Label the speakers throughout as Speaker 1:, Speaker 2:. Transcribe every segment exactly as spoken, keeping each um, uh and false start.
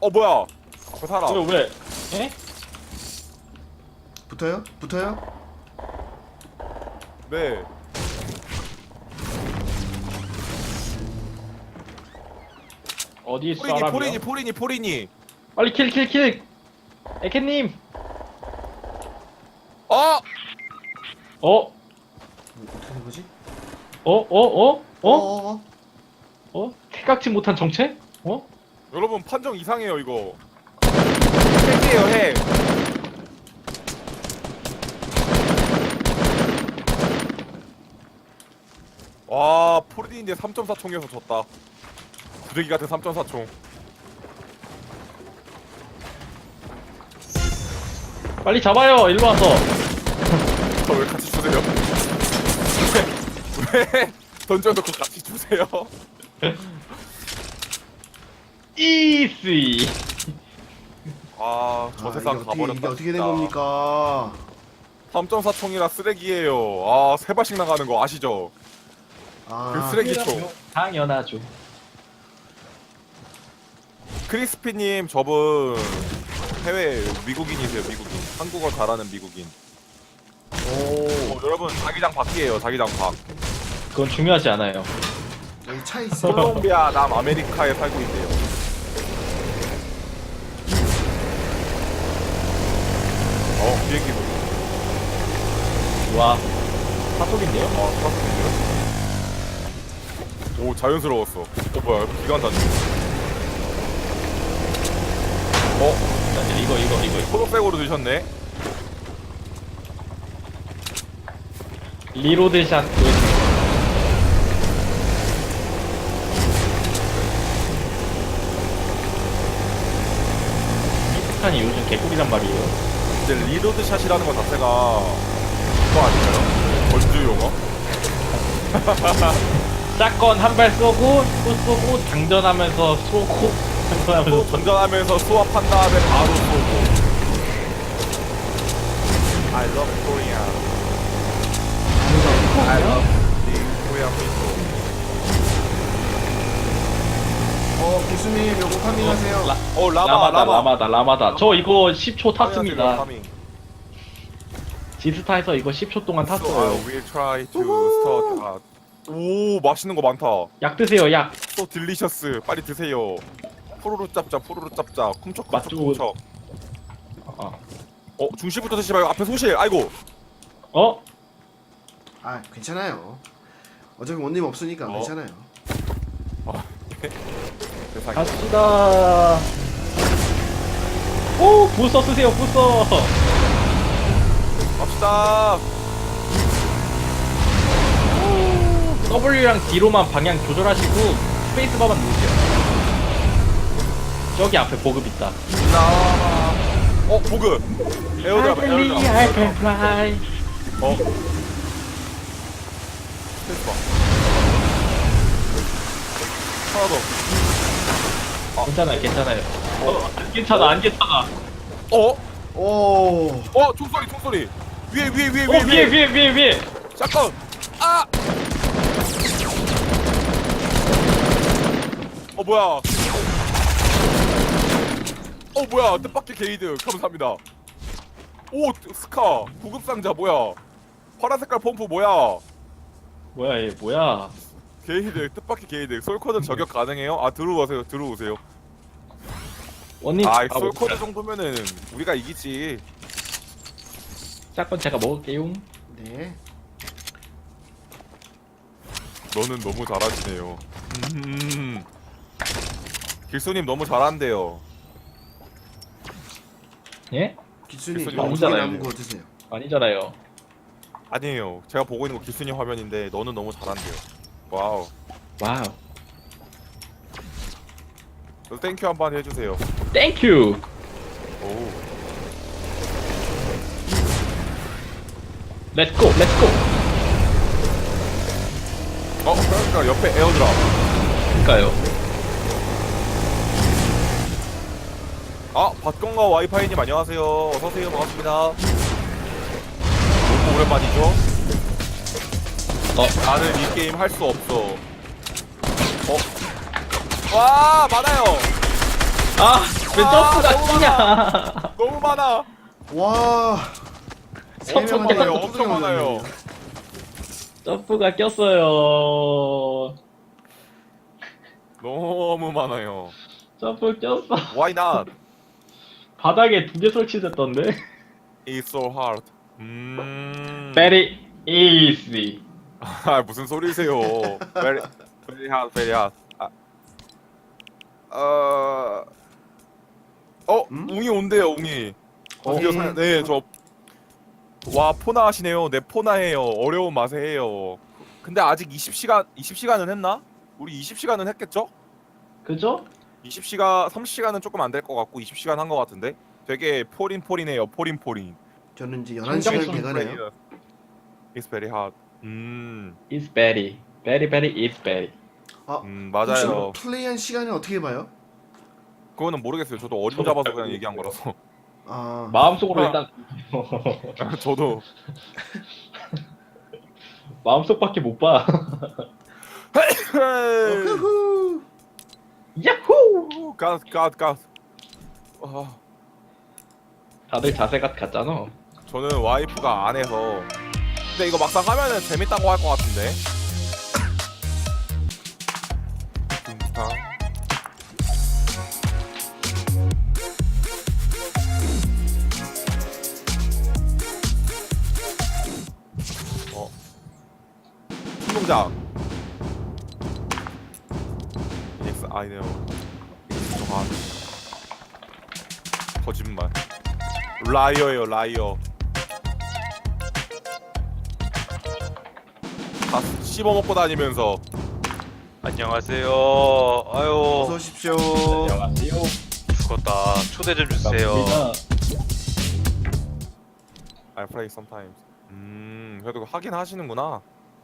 Speaker 1: 어 뭐야? 앞에 사람.
Speaker 2: 왜 왜? 에?
Speaker 3: 붙어요? 붙어요?
Speaker 1: 네.
Speaker 2: 어디 있어?
Speaker 1: 포리니
Speaker 2: 사람이야?
Speaker 1: 포리니 포리니 포리니.
Speaker 2: 빨리 킬 킬 킬. 에케님.
Speaker 1: 어?
Speaker 2: 어?
Speaker 3: 뭐, 어떻게 된 거지?
Speaker 2: 어? 어? 어? 어?
Speaker 3: 어?
Speaker 2: 어? 생각지 못한 정체? 어?
Speaker 1: 여러분 판정 이상해요 이거. 핵이에요 핵. 와 포리니인데 삼 점 사 총이어서 졌다. 부대기 같은 삼 점 사 총.
Speaker 2: 빨리 잡아요. 일로 와서.
Speaker 1: 저 왜 같이 주세요? 왜, 왜 던져놓고 같이 주세요?
Speaker 2: 이씨.
Speaker 1: 아, 저
Speaker 3: 아,
Speaker 1: 세상
Speaker 3: 이게 어떻게,
Speaker 1: 가버렸다.
Speaker 3: 이게 어떻게 된
Speaker 1: 진짜.
Speaker 3: 겁니까?
Speaker 1: 삼 점 사 총이라 쓰레기예요. 아, 세 발씩 나가는 거 아시죠? 그
Speaker 3: 아,
Speaker 1: 쓰레기 총.
Speaker 2: 당연하죠.
Speaker 1: 크리스피님, 저분 해외 미국인이세요, 미국인. 한국어 잘하는 미국인.
Speaker 3: 오,
Speaker 1: 어, 여러분, 자기장 밖이에요, 자기장 밖.
Speaker 2: 그건 중요하지 않아요.
Speaker 3: 여기 차 있어.
Speaker 1: 콜롬비아 남아메리카에 살고 있대요. 어, 비행기 소리.
Speaker 2: 와. 사소리인데요?
Speaker 1: 아, 사슴인데요? 오, 자연스러웠어. 어, 뭐야, 기관 단지. 어,
Speaker 2: 자, 이거 이거 이거 이거.
Speaker 1: 초록색으로 드셨네?
Speaker 2: 리로드 샷. 이 요즘 개꿀이란 말이에요.
Speaker 1: 이제 리로드 샷이라는 것 자체가 그거 아닌가요? 전주 용어?
Speaker 2: 샷건 한 발 쏘고 또 쏘고 장전하면서 쏘고
Speaker 1: 또
Speaker 2: 장전하면서
Speaker 1: 전전하면서 수압한 다음에 바로 쏘고. I love Korea. I love the Korean people.
Speaker 3: 어, 교수님, 요거 파밍하세요.
Speaker 2: 라,
Speaker 1: 어, 라마,
Speaker 2: 라마다
Speaker 1: 라마.
Speaker 2: 라마다 라마다. 저 이거 십 초 탔습니다.
Speaker 1: 파밍.
Speaker 2: 지스타에서 이거 십 초 동안
Speaker 1: So I
Speaker 2: 탔어요.
Speaker 1: will try to start. 아, 오, 맛있는 거 많다.
Speaker 2: 약 드세요 약.
Speaker 1: So delicious. 빨리 드세요. 푸르르 짭짭, 푸르르 짭짭, 쿰척
Speaker 2: 맛
Speaker 1: 쿰척
Speaker 2: 좋은-
Speaker 1: 쿰척.
Speaker 2: 어?
Speaker 1: 어, 중시부터 드시지 말고 앞에 소실. 아이고.
Speaker 2: 어?
Speaker 3: 아, 괜찮아요. 어차피 원님 없으니까
Speaker 1: 어?
Speaker 3: 괜찮아요.
Speaker 1: 세상에.
Speaker 2: 갑시다. 오 부서 쓰세요 부서.
Speaker 1: 갑시다.
Speaker 2: W랑 D로만 방향 조절하시고 스페이스바만 누르세요. 저기 앞에 보급 있다.
Speaker 1: 나. 어, 보급. 에어드랍,
Speaker 2: I believe I can
Speaker 1: 에어드랍.
Speaker 2: fly.
Speaker 1: 어. 스페이스바. 하나 더.
Speaker 2: 괜찮아요 괜찮아요. 어, 안 괜찮아 안 괜찮아.
Speaker 1: 어?
Speaker 3: 오,
Speaker 1: 어, 총소리, 총소리. 위에, 위에, 위에,
Speaker 2: 어
Speaker 1: 위에,
Speaker 2: 위에 위에 위에 위에.
Speaker 1: 잠깐. 아! 어, 뭐야. 어, 뭐야. 뜻밖의 게이드. 감사합니다. 오, 스카. 구급상자 뭐야. 파란 색깔 펌프 뭐야.
Speaker 2: 뭐야 얘 뭐야.
Speaker 1: 게이드, 뜻밖의 게이드. 솔코드 저격 가능해요? 아, 들어오세요, 들어오세요.
Speaker 2: 원님
Speaker 1: 아,
Speaker 2: 아,
Speaker 1: 솔코드 정도면은 우리가 이기지.
Speaker 2: 샷건 제가 먹을게요.
Speaker 3: 네.
Speaker 1: 너는 너무 잘하시네요. 음. 길소님 너무 잘한대요.
Speaker 2: 예?
Speaker 3: 기수님,
Speaker 1: 기수님
Speaker 3: 두 개
Speaker 2: 아니잖아요.
Speaker 3: 남은 거 드세요.
Speaker 2: 아니잖아요.
Speaker 1: 아니에요. 제가 보고 있는 거 길소님 화면인데 너는 너무 잘한대요. 와우.
Speaker 2: 와우.
Speaker 1: 그래서 땡큐 한번 해주세요.
Speaker 2: 땡큐.
Speaker 1: 오.
Speaker 2: 렛츠고 렛츠고.
Speaker 1: 어, 그러니까 옆에 에어드랍.
Speaker 2: 그니까요.
Speaker 1: 아, 밭건과 와이파이님 안녕하세요. 어서오세요. 반갑습니다. 너무 오랜만이죠?
Speaker 2: 어
Speaker 1: 나는 이 게임 할 수 없어. 어? 와, 많아요.
Speaker 2: 아 왜 점프가
Speaker 1: 너무
Speaker 2: 끼냐?
Speaker 1: 많아. 너무 많아.
Speaker 3: 와. 세
Speaker 1: 엄청
Speaker 3: 명한테
Speaker 1: 많아요.
Speaker 3: 뚜껑이
Speaker 1: 엄청 많아요.
Speaker 3: 올렸네요.
Speaker 2: 점프가 꼈어요.
Speaker 1: 너무 많아요.
Speaker 2: 점프 꼈어.
Speaker 1: Why not?
Speaker 2: 바닥에 두 개 설치됐던데.
Speaker 1: It's so hard. 음.
Speaker 2: Very easy.
Speaker 1: 아 무슨 소리세요? Very, very hard, very hard. 아. 어. 어,
Speaker 3: 음?
Speaker 1: 웅이 온대요, 웅이.
Speaker 3: 어,
Speaker 1: 드디어 사- 네, 저. 와, 포나 하시네요. 네, 포나해요. 어려운 맛에 해요. 근데 아직 이십 시간, 이십 시간은 했나? 우리 이십 시간은 했겠죠?
Speaker 2: 그죠?
Speaker 1: 이십 시간, 삼십 시간은 조금 안 될 것 같고 이십 시간 한 것 같은데. 되게 포린포린해요. 포린포린.
Speaker 3: 저는 이제 열한 시간
Speaker 2: 성경순
Speaker 3: 돼가네요.
Speaker 1: It's very hard. 음,
Speaker 2: It's very, very, very, it's very.
Speaker 3: 아,
Speaker 1: 음
Speaker 3: 혹시
Speaker 1: 맞아요.
Speaker 3: 플레이한 시간을 어떻게 봐요?
Speaker 1: 그거는 모르겠어요. 저도 어림
Speaker 2: 저도
Speaker 1: 잡아서
Speaker 2: 알고
Speaker 1: 그냥 얘기한 거라서.
Speaker 3: 아,
Speaker 2: 마음속으로 일단
Speaker 1: 저도.
Speaker 2: 마음속밖에 못 봐.
Speaker 3: 후후.
Speaker 2: 야호!
Speaker 1: 가스, 가스, 가스. 아,
Speaker 2: 다들 자세가 같잖아.
Speaker 1: 저는 와이프가 안 해서. 근데 이거 막상 하면은 재밌다고 할 것 같은데. 진짜. 어. 운동장. Yes, I know. It's so hard. 거짓말. 라이어예요, 라이어. 다 씹어 먹고 다니면서.
Speaker 4: 안녕하세요. 아유
Speaker 3: 어서 오십시오.
Speaker 2: 안녕하세요.
Speaker 4: 죽었다. 초대 좀 주세요.
Speaker 1: I play sometimes. 음, 그래도 하긴 하시는구나.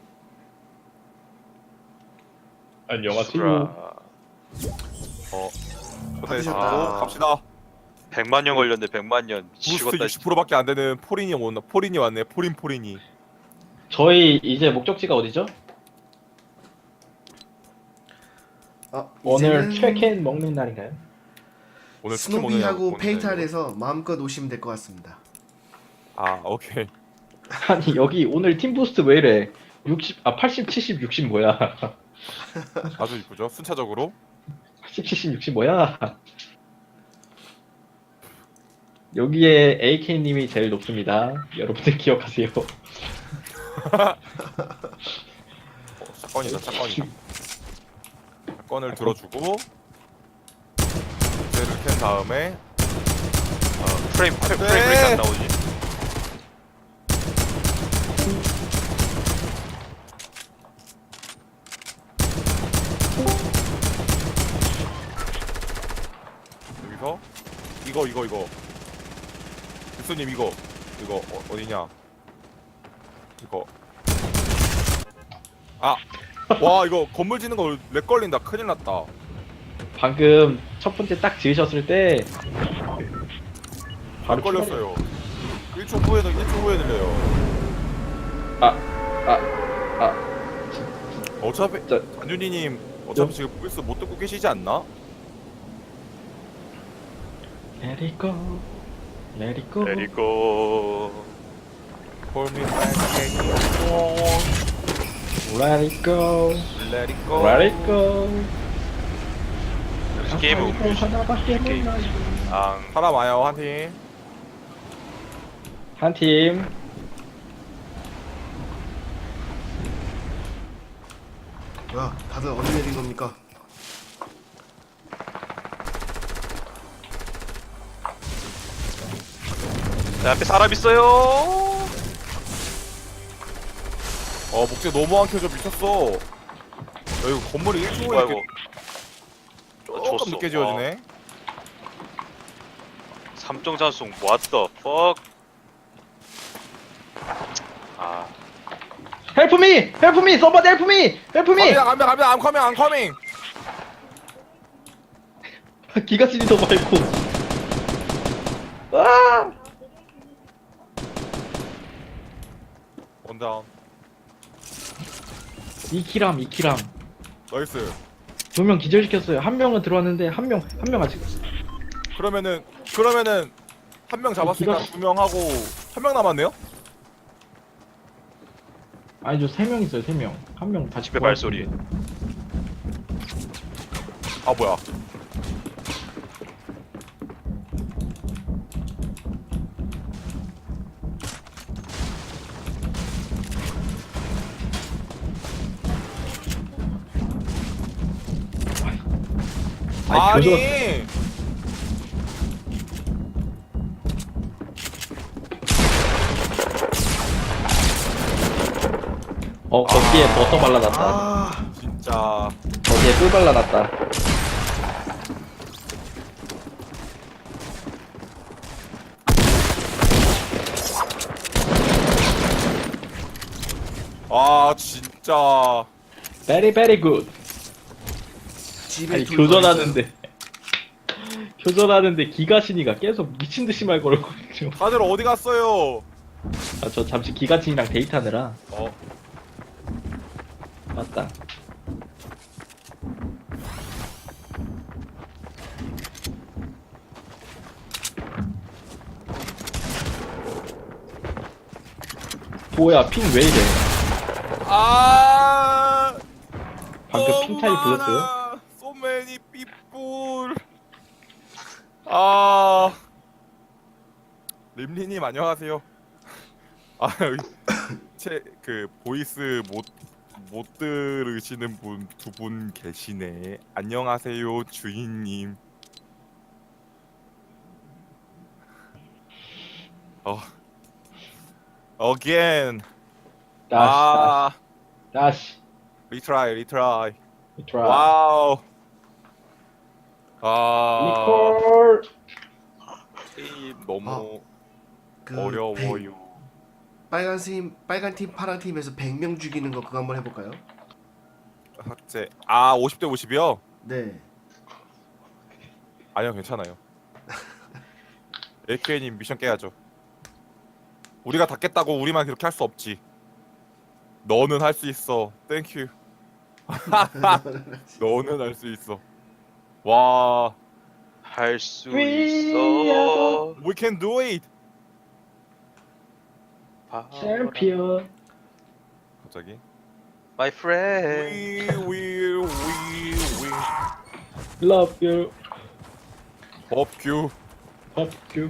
Speaker 2: 안녕하세요.
Speaker 1: 어, 초대
Speaker 3: 받으셨다.
Speaker 1: 아, 갑시다.
Speaker 4: 백만 년 걸렸네. 백만 년.
Speaker 1: 부스트
Speaker 4: 미치겠다.
Speaker 1: 육십 퍼센트밖에 안 되는 포린이 온다. 포린이 왔네. 포린 포린이.
Speaker 2: 저희 이제 목적지가 어디죠?
Speaker 3: 아,
Speaker 2: 오늘
Speaker 3: 이제는
Speaker 2: 최캔 먹는 날인가요?
Speaker 1: 오늘 치킨 먹느냐고
Speaker 3: 스노비하고
Speaker 1: 보는데,
Speaker 3: 페이탈에서 마음껏 오시면 될 것 같습니다.
Speaker 1: 이거. 아, 오케이.
Speaker 2: 아니 여기 오늘 팀 부스트 왜 이래? 육십, 아 팔십, 칠십, 육십 뭐야?
Speaker 1: 아주 이쁘죠? 순차적으로.
Speaker 2: 팔십, 칠십, 육십 뭐야? 여기에 에이케이님이 제일 높습니다. 여러분들 기억하세요.
Speaker 1: 어, 사건이다, 사건이다. 사건을 들어주고 쟤를 캔 다음에
Speaker 4: 어, 프레임 프레임
Speaker 1: 네.
Speaker 4: 프레임 브레이크 안 나오지.
Speaker 1: 여기서 이거 이거 이거 교수님 이거 이거 어, 어디냐 이거 아 와 이거 건물 짓는 거 렉 걸린다 큰일 났다.
Speaker 2: 방금 첫 번째 딱 지으셨을 때
Speaker 1: 렉 걸렸어요. 일 초 후에는 일 초 후에 들려요.
Speaker 2: 아, 아, 아,
Speaker 1: 어차피
Speaker 2: 저-
Speaker 1: 안윤희님 어차피 지금 보이스 못 듣고 계시지 않나?
Speaker 2: Let it go, let it go.
Speaker 4: 내리고
Speaker 1: Call me back again.
Speaker 2: Let it go,
Speaker 1: Let it go.
Speaker 2: let it go.
Speaker 4: 역시 게임은
Speaker 2: 아까 이거
Speaker 4: 음료수.
Speaker 2: 하나밖에
Speaker 4: 게임.
Speaker 2: 몰라요.
Speaker 4: 앙.
Speaker 1: 사람 와요 한 팀.
Speaker 2: 한 팀.
Speaker 3: 뭐야, 다들 어디 내린 겁니까?
Speaker 4: 내 앞에 사람 있어요.
Speaker 1: 어 목재 너무 안 켜져 미쳤어. 야, 이거 건물이 일 초 후에
Speaker 4: 뭐야
Speaker 1: 이렇게
Speaker 4: 이거.
Speaker 1: 조금
Speaker 4: 줬어.
Speaker 1: 늦게 지어지네.
Speaker 4: 삼정 잔송 what the fuck. 아
Speaker 2: Help me, help me, somebody help me, help me.
Speaker 1: 갑니다 갑니다 갑니다 I'm coming I'm coming.
Speaker 2: 기가 시리더 말고. 아!
Speaker 1: 원다운.
Speaker 2: 이키람, 이키람.
Speaker 1: 나이스.
Speaker 2: 두 명 기절시켰어요. 한 명은 들어왔는데 한 명, 한 명 아직.
Speaker 1: 그러면은 그러면은 한 명 잡았으니까
Speaker 2: 기가-
Speaker 1: 두 명 하고 한 명 남았네요?
Speaker 2: 아니 저 세 명 있어요 세 명. 한 명 다시
Speaker 4: 집에 발소리.
Speaker 1: 아 뭐야?
Speaker 2: 아니, 교전-
Speaker 1: 아니
Speaker 2: 어 거기에
Speaker 1: 아.
Speaker 2: 버터 발라놨다.
Speaker 3: 아,
Speaker 1: 진짜
Speaker 2: 거기에 꿀 발라놨다.
Speaker 1: 아 진짜
Speaker 2: 베리 베리 굿.
Speaker 3: 집에
Speaker 2: 아니
Speaker 3: 둘
Speaker 2: 교전하는데 교전하는데 기가신이가 계속 미친 듯이 말 걸고 있죠.
Speaker 1: 다들 어디 갔어요?
Speaker 2: 아 저 잠시 기가신이랑 데이트하느라
Speaker 1: 어
Speaker 2: 맞다. 뭐야 핑 왜 이래?
Speaker 1: 아
Speaker 2: 방금 핑 차이 불렀어요?
Speaker 1: So many people. 아 림리님 안녕하세요. 아제그 보이스 못 못 들으시는 분 두 분 계시네. 안녕하세요 주인님. 어 again.
Speaker 2: 다시
Speaker 1: 아
Speaker 2: 다시
Speaker 1: 리트라이 리트라이.
Speaker 2: 다시 트라이.
Speaker 1: 와우. 아
Speaker 2: 리콜.
Speaker 1: 게임 너무
Speaker 3: 그
Speaker 1: 어려워요.
Speaker 3: 빨간 팀, 빨간 팀, 파란 팀에서 백 명 죽이는 거 그거 한번 해볼까요?
Speaker 1: 학제 아 오십 대 오십이요?
Speaker 3: 네.
Speaker 1: 아니요 괜찮아요. 에이케이님 미션 깨야죠. 우리가 다 깼다고 우리만 그렇게 할 수 없지. 너는 할 수 있어. 땡큐. 너는 할 수 있어. 와
Speaker 4: 할 수
Speaker 2: We
Speaker 4: 있어.
Speaker 1: we can do it.
Speaker 4: 바람.
Speaker 2: 챔피언.
Speaker 1: 갑자기
Speaker 4: My friend.
Speaker 1: we will we will
Speaker 2: Love you.
Speaker 1: 법규.
Speaker 2: 법규.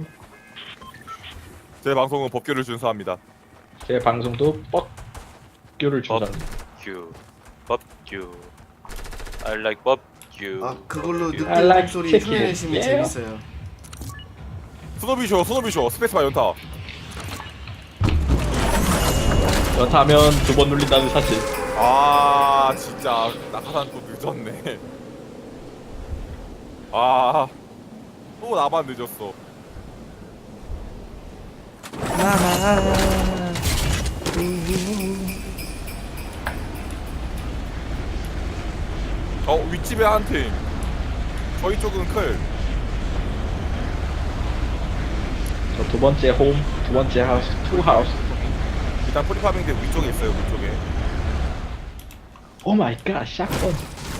Speaker 1: 제 방송은 법규를 준수합니다.
Speaker 2: 제 방송도 뻑규를
Speaker 1: 법.
Speaker 2: 준다.
Speaker 4: 법규. 법규. I like 법규.
Speaker 3: 아, 그걸로
Speaker 4: 법규.
Speaker 3: 늑대
Speaker 2: I like
Speaker 3: 목소리
Speaker 2: chicken.
Speaker 3: 흉내내시면
Speaker 2: Yeah.
Speaker 3: 재밌어요.
Speaker 1: 스노비쇼 스노비쇼 스페이스바 연타.
Speaker 2: 연타하면 두 번 눌린다는 사실.
Speaker 1: 아 진짜 낙하산 또 늦었네. 아또 나만 늦었어. 어 윗집에 한 팀. 저희 쪽은 클.
Speaker 2: 저 두 번째 홈, 두 번째 하우스, 투 하우스.
Speaker 1: 일단 프리파밍대 위쪽에 있어요 위쪽에.
Speaker 2: 오 마이 갓, 샷건.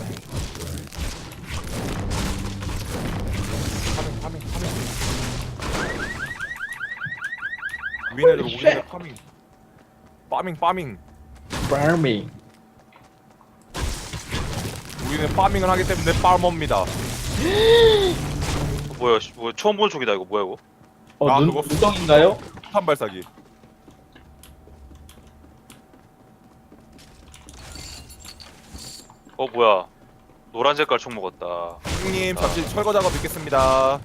Speaker 1: 파밍 파밍 파밍. 우리 애들 우리 애들 파밍. 파밍 파밍.
Speaker 2: 파밍.
Speaker 1: 우리는 파밍을 하기 때문에 파머입니다.
Speaker 4: 뭐야? 씨, 뭐 처음 보는 쪽이다 이거 뭐야 이거?
Speaker 2: 어,
Speaker 1: 아,
Speaker 2: 눈,
Speaker 1: 그거-
Speaker 2: 눈덩인가요?
Speaker 1: 폭탄 발사기.
Speaker 4: 어 뭐야? 노란 색깔 총 먹었다.
Speaker 1: 형님 잠시 철거 작업 있겠습니다.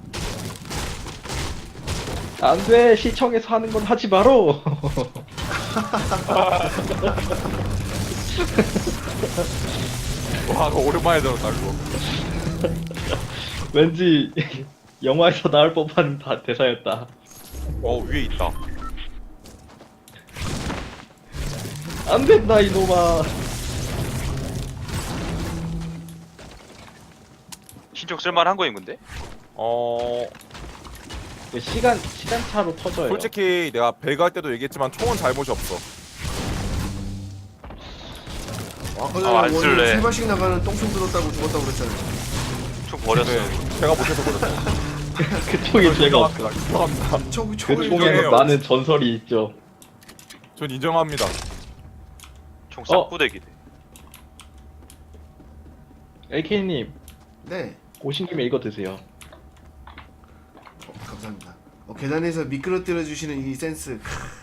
Speaker 2: 안 돼, 시청에서 하는 건 하지 마로.
Speaker 1: 와 그거 오랜만에 들었다 그거.
Speaker 2: 왠지 영화에서 나올 법한 다 대사였다.
Speaker 1: 어 위에 있다.
Speaker 2: 안 된다, 이놈아.
Speaker 4: 신청 쓸만한 거인 건데?
Speaker 1: 어
Speaker 2: 시간, 시간차로 터져요.
Speaker 1: 솔직히 내가 배그 할 때도 얘기했지만 총은 잘못이 없어.
Speaker 3: 아까 전에
Speaker 4: 아, 안
Speaker 3: 원래
Speaker 4: 쓸래.
Speaker 3: 세 발씩 나가는 똥손 들었다고 죽었다고 그랬잖아요.
Speaker 4: 총 버렸어.
Speaker 1: 네, 제가 못해서 그랬어.
Speaker 2: 그쪽에 죄가 없어.
Speaker 1: 인정합니다. 인정합니다.
Speaker 3: 저 총을
Speaker 1: 인정해요.
Speaker 2: 그쪽에는 많은 전설이 있죠.
Speaker 1: 전 인정합니다.
Speaker 4: 총
Speaker 2: 어.
Speaker 4: 싹구대기네.
Speaker 2: 에이케이님
Speaker 3: 네.
Speaker 2: 오신 김에 이거 드세요.
Speaker 3: 어, 감사합니다. 어, 계단에서 미끄러뜨려 주시는 이 센스.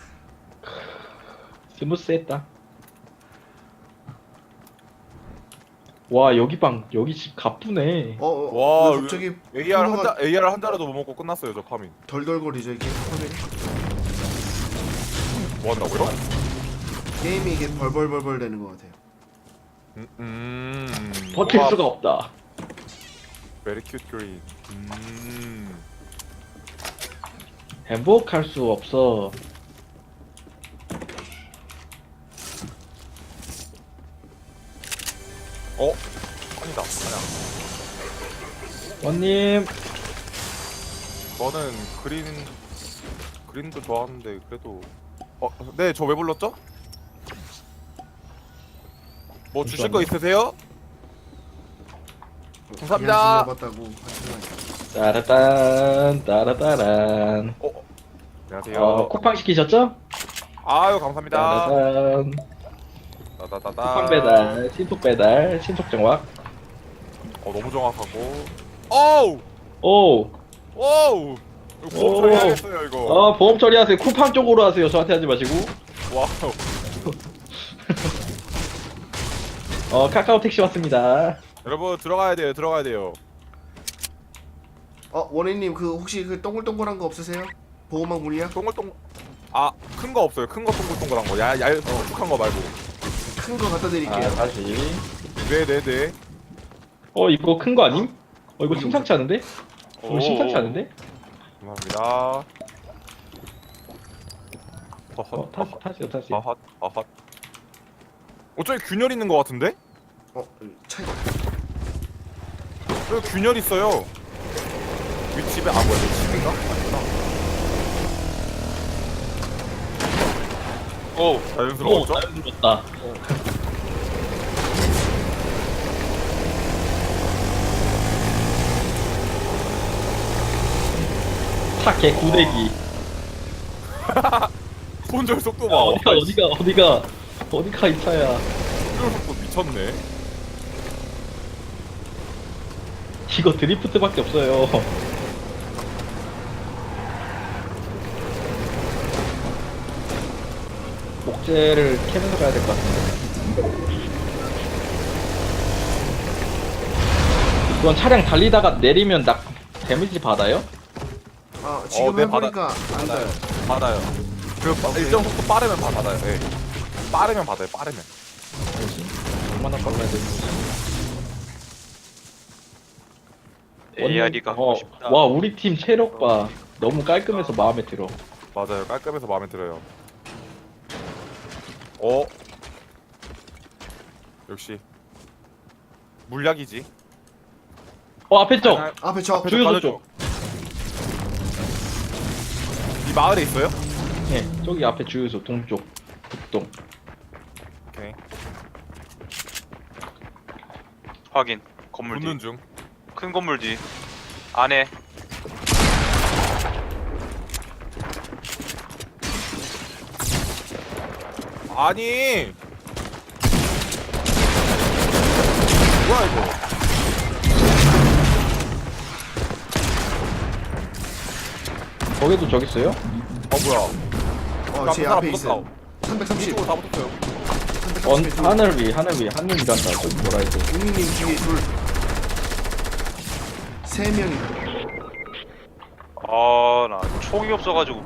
Speaker 2: 스무스했다. 와 여기 방 여기 집 가쁘네.
Speaker 3: 어, 어
Speaker 1: 와,
Speaker 3: 왜 갑자기
Speaker 1: 에이알 한
Speaker 3: 코너가
Speaker 1: 자, 에이알 한 자라도 못 먹고 끝났어요, 저 파밍.
Speaker 3: 덜덜거리죠 이게 화면이.
Speaker 1: 뭐 한다고요?
Speaker 3: 게임이 이게 벌벌벌벌 되는 것 같아요.
Speaker 1: 음, 음.
Speaker 2: 버틸
Speaker 1: 뭐가
Speaker 2: 수가 없다.
Speaker 1: Very cute green. 음.
Speaker 2: 행복할 수 없어.
Speaker 1: 어? 아니다. 아니야.
Speaker 2: 원님
Speaker 1: 저는 그린 그린도 좋아하는데 그래도 어, 네, 저 왜 불렀죠? 뭐 주실 거 있으세요? 감사합니다.
Speaker 3: 봤다고 하지만
Speaker 2: 따라딴 따라따란.
Speaker 1: 어, 안녕하세요.
Speaker 2: 어 쿠팡 시키셨죠?
Speaker 1: 아유, 감사합니다.
Speaker 2: 따라딴.
Speaker 1: 따다다다.
Speaker 2: 쿠팡 배달, 신속 배달, 신속 정확.
Speaker 1: 어, 너무 정확하고. 어우,
Speaker 2: 오,
Speaker 1: 오우. 이거 보험
Speaker 2: 오.
Speaker 1: 처리해야겠어요 이거.
Speaker 2: 어 보험 처리하세요. 쿠팡 쪽으로 하세요. 저한테 하지 마시고.
Speaker 1: 와우.
Speaker 2: 어 카카오 택시 왔습니다.
Speaker 1: 여러분 들어가야 돼요. 들어가야 돼요.
Speaker 3: 어 원혜님 그 혹시 그 동글동글한 거 없으세요? 보호막 물약?
Speaker 1: 동글동. 아, 큰 거 없어요. 큰 거 동글동글한 거. 야, 얇, 축한 거 말고.
Speaker 3: 큰 거 갖다
Speaker 2: 아
Speaker 3: 드릴게요.
Speaker 2: 다시.
Speaker 1: 네, 네, 네.
Speaker 2: 어 이거 큰 거 아님? 어 이거 심상치 않은데? 어
Speaker 4: 오.
Speaker 2: 심상치 않은데?
Speaker 1: 감사합니다.
Speaker 2: 어
Speaker 1: 허헛,
Speaker 2: 타시 타시요 타시.
Speaker 1: 허헛, 허헛. 어, 저기 균열 있는 거 같은데?
Speaker 3: 어 차이.
Speaker 1: 저기 균열 있어요. 윗집에, 아, 뭐야, 내 집인가? 아니구나.
Speaker 4: 오.
Speaker 1: 자연스러웠죠?
Speaker 2: 자연스럽다. 차개 구대기.
Speaker 1: 손절 속도 봐.
Speaker 2: 야, 어디가 어디가 어디가 어디가 이 차야.
Speaker 1: 손절 속도 미쳤네.
Speaker 2: 이거 드리프트밖에 없어요. 목재를 캐면서 가야 될 것 같은데. 이건 차량 달리다가 내리면 나 데미지 받아요?
Speaker 3: 아 지금
Speaker 1: 어, 네,
Speaker 3: 해보니까 안
Speaker 1: 받아요.
Speaker 3: 닿아요.
Speaker 1: 받아요. 그 일정 속도 빠르면 다 받아요. 예. 빠르면 받아요. 빠르면.
Speaker 2: 뭐지? 얼마나 빨라야 되지?
Speaker 4: 에이알이 갖고
Speaker 2: 어,
Speaker 4: 싶다.
Speaker 2: 와 우리 팀 체력 봐. 너무 깔끔해서 마음에 들어.
Speaker 1: 맞아요. 깔끔해서 마음에 들어요. 어. 역시 물약이지.
Speaker 2: 어 앞에 쪽.
Speaker 1: 아,
Speaker 3: 앞에 저
Speaker 1: 앞에
Speaker 2: 주유소
Speaker 1: 가는
Speaker 2: 쪽.
Speaker 1: 이 마을에 있어요?
Speaker 2: 네, 저기 앞에 주유소 동쪽 북동.
Speaker 1: 오케이.
Speaker 4: 확인. 건물 뒤.
Speaker 1: 붙는 중.
Speaker 4: 큰 건물 뒤. 안에.
Speaker 1: 아니. 뭐야 이거?
Speaker 2: 거기도 저기 있어요?
Speaker 1: 어 뭐야?
Speaker 3: 어, 제
Speaker 1: 사람
Speaker 3: 앞에 있어요.
Speaker 1: 붙었다.
Speaker 3: 삼백삼십.
Speaker 1: 이쪽으로 다 붙었어요.
Speaker 2: 언
Speaker 3: 삼백삼십.
Speaker 2: 하늘 위 하늘 위 하늘 위 간다. 저기 뭐라 해도.
Speaker 3: 윤희님 뒤에 둘. 세 명이.
Speaker 4: 아, 나 총이 없어가지고.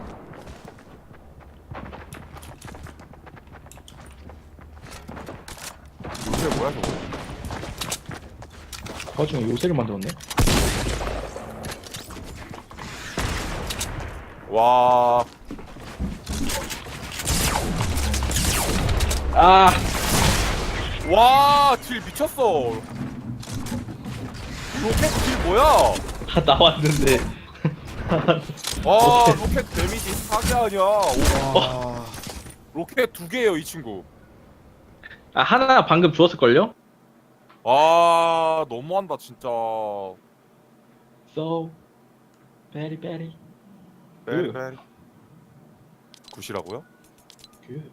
Speaker 1: 요새 뭐야 저거?
Speaker 2: 그 와중에 요새를 만들었네.
Speaker 1: 와.
Speaker 2: 아,
Speaker 1: 와, 딜 미쳤어. 로켓 딜 뭐야?
Speaker 2: 다 나왔는데.
Speaker 1: 와, 로켓 데미지 사기 아니야. 오,
Speaker 3: 와.
Speaker 1: 로켓 두 개예요, 이 친구.
Speaker 2: 아 하나 방금 주웠을 걸요?
Speaker 1: 와, 너무한다 진짜.
Speaker 2: So 베리 베리.
Speaker 1: 베리 베리. 굿이라고요?
Speaker 2: 그.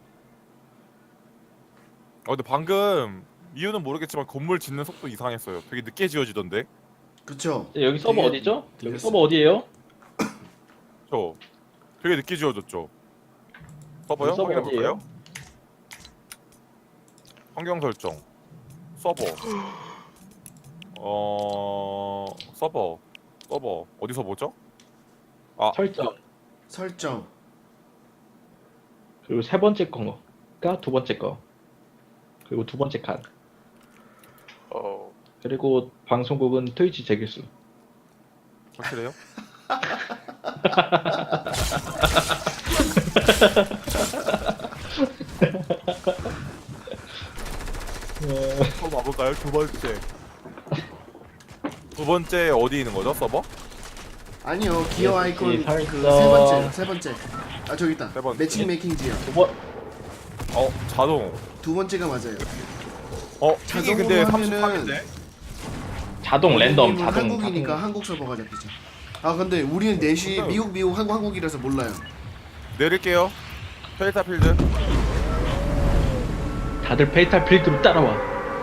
Speaker 1: 어 근데 방금 이유는 모르겠지만 건물 짓는 속도 이상했어요. 되게 늦게 지어지던데.
Speaker 3: 그쵸?
Speaker 2: 여기 서버
Speaker 3: 되게
Speaker 2: 어디죠? 여기
Speaker 3: 들렸어요.
Speaker 2: 서버 어디예요?
Speaker 1: 저 되게 늦게 지어졌죠. 서버요?
Speaker 2: 서버
Speaker 1: 확인해 볼까요?
Speaker 2: 어디예요?
Speaker 1: 환경 설정. 서버. 어 서버. 서버 어디서 보죠?
Speaker 2: 설정.
Speaker 3: 설정.
Speaker 2: 그리고 세 번째 거가 두 번째 거. 그리고 두 번째 칸.
Speaker 4: 어
Speaker 2: 그리고 방송국은 트위치 재길수.
Speaker 1: 확실해요? 한번 와볼까요? 두 번째. 두 번째 어디 있는 거죠? 서버?
Speaker 3: 아니요 기어
Speaker 2: 예,
Speaker 3: 아이콘
Speaker 2: 예,
Speaker 3: 그 세
Speaker 2: 설정.
Speaker 3: 번째 세 번째. 아 저기 있다.
Speaker 1: 세 번째.
Speaker 3: 매칭 메이킹 지요.
Speaker 2: 두 번.
Speaker 1: 어 자동.
Speaker 3: 두 번째가 맞아요.
Speaker 1: 어 픽이
Speaker 3: 자동으로
Speaker 1: 근데
Speaker 3: 하면은-
Speaker 1: 삼십팔인데?
Speaker 2: 자동 랜덤
Speaker 3: 우리는
Speaker 2: 자동.
Speaker 3: 한국이니까
Speaker 2: 자동.
Speaker 3: 한국 서버가 잡히죠. 아 근데 우리는 넷이
Speaker 1: 근데-
Speaker 3: 미국 미국 한국 한국이라서 몰라요.
Speaker 1: 내릴게요. 페이타 필드.
Speaker 2: 다들 페이탈 필드로 따라와.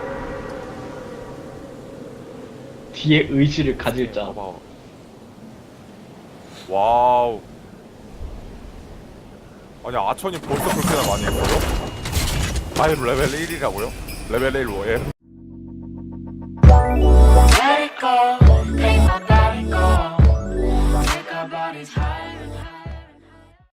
Speaker 2: 뒤에 의지를 가질 자.
Speaker 1: 봐봐. 와우. 아니 아천이 벌써 그렇게나 많이 했어요? 아이 레벨 일이라고요? 레벨 일 뭐예요?